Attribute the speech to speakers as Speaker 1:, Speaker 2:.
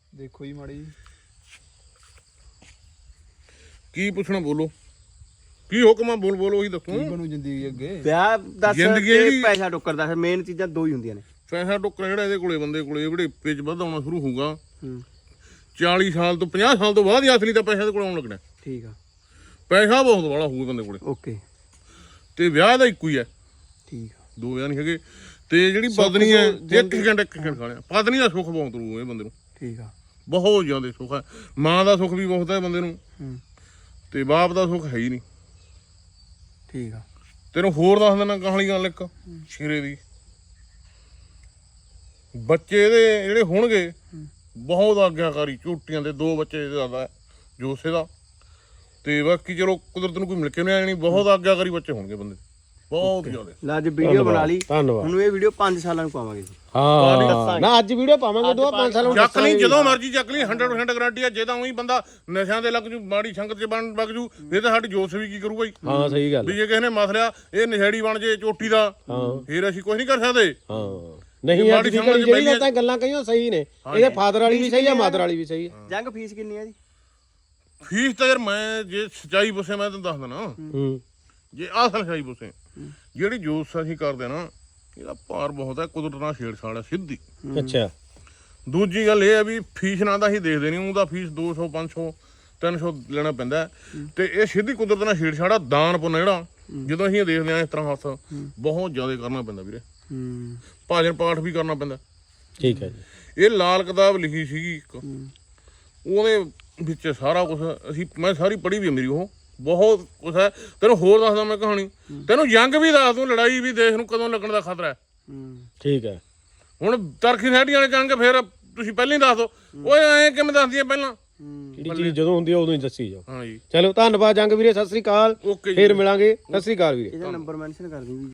Speaker 1: ਦੇਖੋ ਜੀ ਮਾੜੀ
Speaker 2: ਕੀ ਪੁੱਛਣਾ ਬੋਲੋ, ਕੀ ਹੁਕਮ ਆ ਬੋਲ ਉਹੀ ਦੱਸੋ।
Speaker 1: ਕੀ ਬਣੂ ਜ਼ਿੰਦਗੀ ਅੱਗੇ?
Speaker 3: ਵਿਆਹ ਦੱਸ
Speaker 2: ਜ਼ਿੰਦਗੀ
Speaker 3: ਤੇ
Speaker 2: ਦੀ-
Speaker 3: ਪੈਸਾ ਟੁੱਕਰਦਾ, ਫਿਰ ਮੇਨ ਚੀਜ਼ਾਂ ਦੋ ਹੀ ਹੁੰਦੀਆਂ ਨੇ।
Speaker 2: ਪੈਸਾ ਟੁੱਕਰ ਜਿਹੜਾ ਇਹਦੇ ਕੋਲੇ ਬੰਦੇ ਕੋਲੇ ਵੜੇਪੇ ਚ ਵੱਧ ਆਉਣਾ ਸ਼ੁਰੂ ਹੋਊਗਾ।
Speaker 3: ਹੂੰ
Speaker 2: 40 ਸਾਲ ਤੋਂ 50 ਸਾਲ ਤੋਂ ਬਾਅਦ ਹੀ ਅਸਲੀ ਤਾਂ ਪੈਸਾ ਦੇ ਕੋਲ ਆਉਣ ਲੱਗਣਾ।
Speaker 3: ਠੀਕ ਆ,
Speaker 2: ਪੈਸਾ ਬਹੁਤ ਵਾਲਾ ਹੋਊਗਾ ਬੰਦੇ ਕੋਲੇ,
Speaker 3: ਓਕੇ
Speaker 2: ਤੇ ਵਿਆਹ ਦਾ ਇੱਕੋ ਹੀ ਹੈ,
Speaker 3: ਠੀਕ ਆ।
Speaker 2: ਦੋ ਵਿਆਹ ਨਹੀਂ ਹੈਗੇ। ਤੇ ਜਿਹੜੀ ਪਤਨੀ ਹੈ ਇੱਕ ਘੰਟਾ ਖਾ ਲਿਆ, ਪਤਨੀ ਦਾ ਸੁੱਖ ਬਹੁਤ ਰੂ ਇਹ ਬੰਦੇ ਨੂੰ,
Speaker 3: ਠੀਕ ਆ।
Speaker 2: ਬਹੁਤ ਜ਼ਿਆਦਾ ਸੁੱਖ ਹੈ। ਮਾਂ ਦਾ ਸੁੱਖ ਵੀ ਬਹੁਤ ਹੈ ਬੰਦੇ ਨੂੰ,
Speaker 3: ਹੂੰ
Speaker 2: ਤੇ ਬਾਪ ਦਾ ਸੁੱਖ ਹੈ ਹੀ ਨਹੀਂ।
Speaker 3: ਠੀਕ ਆ।
Speaker 2: ਤੈਨੂੰ ਹੋਰ ਦੱਸ ਦਿੰਦਾ ਕਹਾਣੀ ਗੱਲ ਇੱਕ ਸ਼ੇਰੇ ਦੀ। ਬੱਚੇ ਇਹਦੇ ਜਿਹੜੇ ਹੋਣਗੇ ਬਹੁਤ ਆਗਿਆਕਾਰੀ, ਝੂਟੀਆਂ ਦੇ 2 ਬੱਚੇ ਜ਼ਿਆਦਾ ਜੋਸੇ ਦਾ, ਤੇ ਬਾਕੀ ਚਲੋ ਕੁਦਰਤ ਨੂੰ ਕੋਈ ਮਿਲ ਕੇ ਨਹੀਂ ਆਣੀ, ਬਹੁਤ ਆਗਿਆਕਾਰੀ ਬੱਚੇ ਹੋਣਗੇ ਬੰਦੇ, ਬਹੁਤ ਜ਼ਿਆਦਾ।
Speaker 3: ਲੈ ਅੱਜ ਵੀਡੀਓ ਬਣਾ ਲਈ,
Speaker 4: ਧੰਨਵਾਦ।
Speaker 3: ਹੁਣ ਇਹ ਵੀਡੀਓ 5 ਸਾਲਾਂ ਨੂੰ ਪਾਵਾਂਗੇ ਜੀ।
Speaker 4: ਹਾਂ ਨਾ ਅੱਜ ਵੀਡੀਓ ਪਾਵਾਂਗੇ 2-5 ਸਾਲਾਂ ਨੂੰ
Speaker 2: ਚੱਕ ਲਈ ਜਦੋਂ ਮਰਜੀ ਚੱਕ ਲਈ, 100% ਗਾਰੰਟੀ ਹੈ। ਜੇ ਤਾਂ ਉਹੀ ਬੰਦਾ ਨਸ਼ਿਆਂ ਦੇ ਲੱਗ ਜੂ, ਮਾੜੀ ਸੰਗਤ 'ਚ ਬਣ ਲੱਗ ਜੂ, ਇਹ ਤਾਂ ਸਾਡੀ ਜੋਸ਼ ਵੀ ਕੀ ਕਰੂਗਾ ਜੀ।
Speaker 4: ਹਾਂ ਸਹੀ ਗੱਲ
Speaker 2: ਵੀ ਜੇ ਕਿਸੇ ਨੇ ਮਸਲਿਆ ਇਹ ਨਸ਼ੇੜੀ ਬਣ ਜੇ ਚੋਟੀ ਦਾ, ਫਿਰ ਅਸੀਂ ਕੁਝ ਨਹੀਂ ਕਰ ਸਕਦੇ।
Speaker 4: ਹਾਂ ਨਹੀਂ ਅੱਜ ਦੀ ਘੜੀ ਜਿਹੜੀ ਤਾਂ ਗੱਲਾਂ ਕਹੀਆਂ ਸਹੀ ਨੇ, ਇਹਦੇ ਫਾਦਰ ਵਾਲੀ ਵੀ ਸਹੀ ਆ, ਮਾਦਰ ਵਾਲੀ ਵੀ ਸਹੀ ਆ।
Speaker 3: ਜੰਗ ਫੀਸ ਕਿੰਨੀ ਆ ਜੀ?
Speaker 2: ਫੀਸ ਤਾਂ ਯਾਰ ਮੈਂ ਜੇ ਸੱਚਾਈ ਪੁੱਛੇ ਮੈਂ ਤੈਨੂੰ ਦੱਸ ਦਿੰਦਾ,
Speaker 4: ਹੂੰ
Speaker 2: ਜੇ ਅਸਲ ਸੱਚਾਈ ਪੁੱਛੇ ਜਿਹੜੀ ਜੋਸ਼ ਅਸੀਂ ਕਰਦੇ ਨਾ ਇਹਦਾ ਭਾਰ ਬਹੁਤ ਹੈ, ਕੁਦਰਤ ਨਾਲ ਛੇੜਛਾੜ ਹੈ ਸਿੱਧੀ।
Speaker 4: ਅੱਛਾ
Speaker 2: ਦੂਜੀ ਗੱਲ ਇਹ ਹੈ ਵੀ ਫੀਸ ਨਾਲ ਤਾਂ ਅਸੀਂ ਦੇਖਦੇ ਨਹੀਂ, ਉਹਦਾ ਫੀਸ 200 500 300 ਲੈਣਾ ਪੈਂਦਾ, ਤੇ ਇਹ ਸਿੱਧੀ ਕੁਦਰਤ ਨਾਲ ਛੇੜਛਾੜ ਆ। ਦਾਨ ਪੁੰਨ ਜਿਹੜਾ ਜਦੋਂ ਅਸੀਂ ਦੇਖਦੇ ਹਾਂ ਇਸ ਤਰ੍ਹਾਂ ਹੱਥ ਬਹੁਤ ਜ਼ਿਆਦਾ ਕਰਨਾ ਪੈਂਦਾ ਵੀਰੇ,
Speaker 3: ਹੂੰ
Speaker 2: ਭਾਜਨ ਪਾਠ ਵੀ ਕਰਨਾ ਪੈਂਦਾ।
Speaker 4: ਠੀਕ ਹੈ ਜੀ।
Speaker 2: ਇਹ ਲਾਲ ਕਿਤਾਬ ਲਿਖੀ ਸੀਗੀ ਇੱਕ, ਉਹਦੇ ਵਿੱਚ ਸਾਰਾ ਕੁਝ ਮੈਂ ਸਾਰੀ ਪੜ੍ਹੀ ਵੀ ਹੈ ਮੇਰੀ, ਉਹ ਬਹੁਤ ਕੁਛ ਹੈ। ਤੈਨੂੰ ਹੋਰ ਦੱਸਦਾ ਮੈਂ ਕਹਾਣੀ, ਤੈਨੂੰ ਜੰਗ ਵੀ ਦੱਸ ਦੂੰ, ਲੜਾਈ ਵੀ ਦੇਸ਼ ਨੂੰ ਕਦੋਂ ਲੱਗਣ ਦਾ ਖਤਰਾ ਹੈ।
Speaker 4: ਠੀਕ ਹੈ।
Speaker 2: ਹੁਣ ਤਰਖੀ ਸੈਟੀ ਵਾਲੇ ਜੰਗ ਫਿਰ ਤੁਸੀਂ ਪਹਿਲਾਂ ਹੀ ਦੱਸ ਦਿਓ, ਓਏ ਐਂ ਕਿਵੇਂ ਦੱਸਦੀ ਹੈ ਪਹਿਲਾਂ?
Speaker 4: ਜਿਹੜੀ ਚੀਜ਼ ਜਦੋਂ ਹੁੰਦੀ ਆ ਉਦੋਂ ਹੀ ਦੱਸੀ ਜਾਓ।
Speaker 2: ਹਾਂ ਜੀ
Speaker 4: ਚਲੋ ਧੰਨਵਾਦ ਜੰਗ ਵੀਰੇ, ਸਤਿ ਸ੍ਰੀ ਅਕਾਲ,
Speaker 2: ਓਕੇ ਜੀ।
Speaker 4: ਫੇਰ ਮਿਲਾਂਗੇ। ਸਤਿ ਸ੍ਰੀ ਅਕਾਲ ਵੀਰੇ।
Speaker 3: ਇਹਦਾ ਨੰਬਰ ਮੈਂਸ਼ਨ ਕਰ ਦਿਓ ਜੀ।